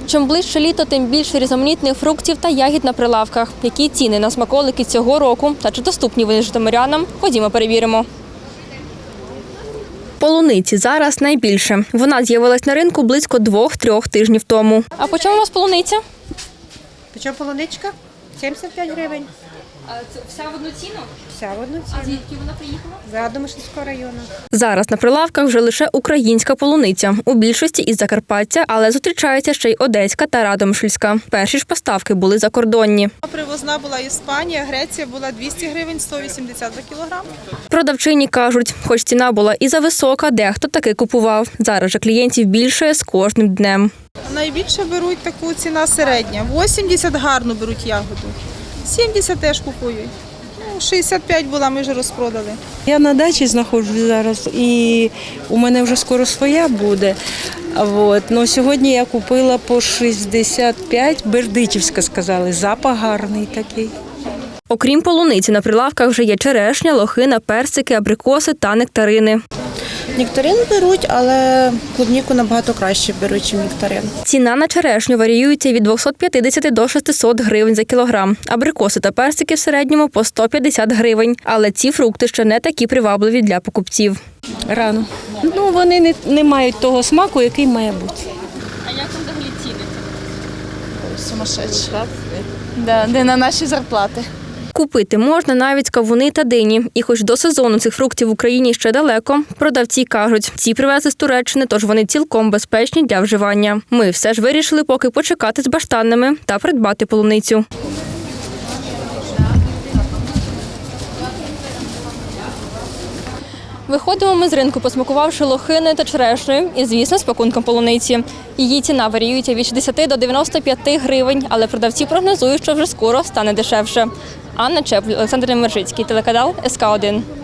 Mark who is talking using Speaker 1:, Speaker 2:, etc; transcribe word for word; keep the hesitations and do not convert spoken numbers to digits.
Speaker 1: Чим ближче літо, тим більше різноманітних фруктів та ягід на прилавках. Які ціни на смаколики цього року та чи доступні вони житомирянам? Ходімо, перевіримо. Полуниці зараз найбільше. Вона з'явилась на ринку близько двох-трьох тижнів тому. А по чому у вас полуниця?
Speaker 2: Почому полуничка? сімдесят п'ять гривень.
Speaker 1: А це вся в одну ціну?
Speaker 2: Вся в одну ціну.
Speaker 1: А звідки вона приїхала?
Speaker 2: З Радомишльського району.
Speaker 1: Зараз на прилавках вже лише українська полуниця. У більшості із Закарпаття, але зустрічається ще й одеська та радомишльська. Перші ж поставки були закордонні.
Speaker 3: Привозна була Іспанія, Греція була двісті гривень, сто вісімдесят за кілограм.
Speaker 1: Продавчині кажуть, хоч ціна була і зависока, дехто таки купував. Зараз же клієнтів більше з кожним днем.
Speaker 3: Найбільше беруть таку ціна середня. вісімдесят гарно беруть ягоду. сімдесят теж купують. Ну, шістдесят п'ять була, ми вже розпродали.
Speaker 4: Я на дачі знаходжусь зараз і у мене вже скоро своя буде. От. Но сьогодні я купила по шістдесят п'ять, бердичівська сказали, запах гарний такий.
Speaker 1: Окрім полуниці, на прилавках вже є черешня, лохина, персики, абрикоси та нектарини.
Speaker 5: Нектарин беруть, але клубніку набагато краще беруть, ніж нектарин.
Speaker 1: Ціна на черешню варіюється від двохсот п'ятдесят до шестисот гривень за кілограм. Абрикоси та персики в середньому по сто п'ятдесят гривень. Але ці фрукти ще не такі привабливі для покупців.
Speaker 4: Рано. Ну, вони не, не мають того смаку, який має бути.
Speaker 1: А як там взагалі ціни?
Speaker 6: Сумасшедші. Да, не на наші зарплати.
Speaker 1: Купити можна навіть кавуни та дині. І хоч до сезону цих фруктів в Україні ще далеко, продавці кажуть, ці привезли з Туреччини, тож вони цілком безпечні для вживання. Ми все ж вирішили поки почекати з баштанними та придбати полуницю. Виходимо ми з ринку, посмакувавши лохиною та черешнею і, звісно, з пакунком полуниці. Її ціна варіюється від шістдесят до дев'яноста п'яти гривень, але продавці прогнозують, що вже скоро стане дешевше. Анна Чепль, Олександр Немержицький, телеканал ес ка один.